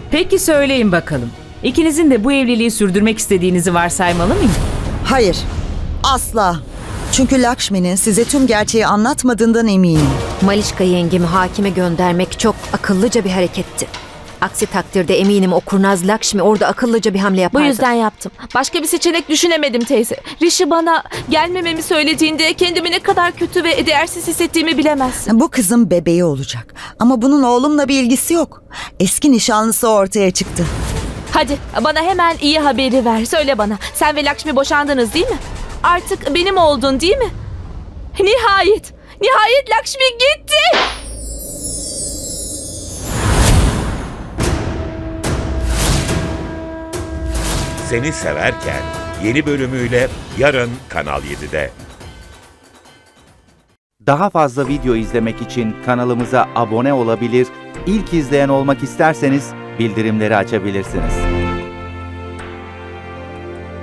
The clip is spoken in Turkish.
Peki söyleyin bakalım. İkinizin de bu evliliği sürdürmek istediğinizi varsaymalı mıyım? Hayır, asla. Çünkü Lakshmi'nin size tüm gerçeği anlatmadığından eminim. Malişka yengemi hakime göndermek çok akıllıca bir hareketti. Aksi takdirde eminim o kurnaz Lakshmi orada akıllıca bir hamle Bu yapardı. yüzden yaptım. Başka bir seçenek düşünemedim teyze. Rishi bana gelmememi söylediğinde kendimi ne kadar kötü ve değersiz hissettiğimi bilemezsin. Bu kızın bebeği olacak. Ama bunun oğlumla bir ilgisi yok. Eski nişanlısı ortaya çıktı. Hadi bana hemen iyi haberi ver. Söyle bana. Sen ve Lakshmi boşandınız değil mi? Artık benim oldun değil mi? Nihayet. Nihayet Lakshmi gitti. Seni Severken yeni bölümüyle yarın Kanal 7'de. Daha fazla video izlemek için kanalımıza abone olabilir, ilk izleyen olmak isterseniz bildirimleri açabilirsiniz.